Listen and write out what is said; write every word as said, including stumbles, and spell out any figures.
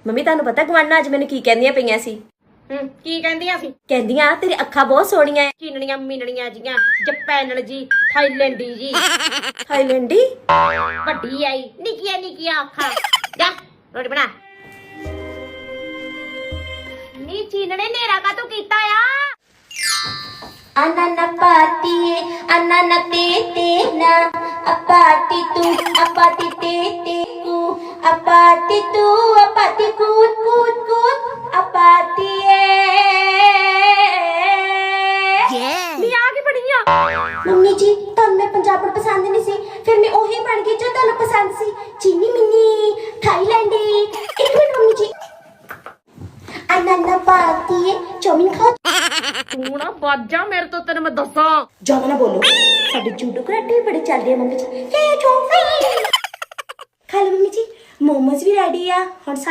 Mummy ਤੁਹਾਨੂੰ ਪਤਾ ਗਵਾਨਾ ਅੱਜ ਮੈਨੂੰ ਕੀ ਕਹਿੰਦੀਆਂ ਪਈਆਂ ਸੀ? ਹੂੰ ਕੀ ਕਹਿੰਦੀਆਂ ਸੀ? ਕਹਿੰਦੀਆਂ ਤੇਰੀ ਅੱਖਾਂ ਬਹੁਤ ਸੋਹਣੀਆਂ ਐ। ਚੀਨਣੀਆਂ ਮੀਨਣੀਆਂ ਜੀਆਂ, ਜਪੈਨਲ ਜੀ, ਥਾਈਲੈਂਡੀ ਜੀ, ਥਾਈਲੈਂਡੀ ਵੱਡੀ ਆਈ ਨਿੱਕੀਆਂ ਨਿੱਕੀਆਂ ਅੱਖਾਂ। ਜਾ ਰੋਟੀ ਬਣਾ। ਨੀ ਚੀਨਣੇ ਨੇਰਾ ਕਾ ਤੂੰ ਕੀਤਾ ਆ? Anana pati, anana tete na, apati tu, apati tete ku, apati tu, apati kut kut kut, apati ਨੀ ਆ ਕੇ ਬੜੀਆਂ ਮੰਮੀ ਜੀ ਤੁਹਾਨੂੰ ਮੈਂ ਪੰਜਾਬਣ ਪਸੰਦ ਨਹੀਂ ਸੀ, ਫਿਰ ਮੈਂ ਉਹੀ ਬਣ ਗਈ ਜੋ ਤੁਹਾਨੂੰ ਪਸੰਦ ਸੀ। ਚੀਨੀ ਮਿੰਨੀ ਥਾਈਲੈਂਡੀ। ਇੱਕ ਮਿੰਟ ਮੰਮੀ ਜੀ। Anana pati, ਚੌਮਿਨ ਖਾ। ਤੂੰ ਨਾ ਬਾਜਾ ਮੇਰੇ ਤੋਂ, ਤੈਨੂੰ ਮੈਂ ਦੱਸਾਂ। ਜ਼ਿਆਦਾ ਨਾ ਬੋਲੋ, ਸਾਡੇ ਜੂਡੋ ਕਰਾਟੇ ਵੀ ਬੜੇ ਚੱਲ ਰਹੇ ਮੰਮੀ ਜੀ। ਖਾ ਲਓ ਮੰਮੀ ਜੀ, ਮੋਮੋਸ ਵੀ ਰੈਡੀ ਆ ਹੁਣ।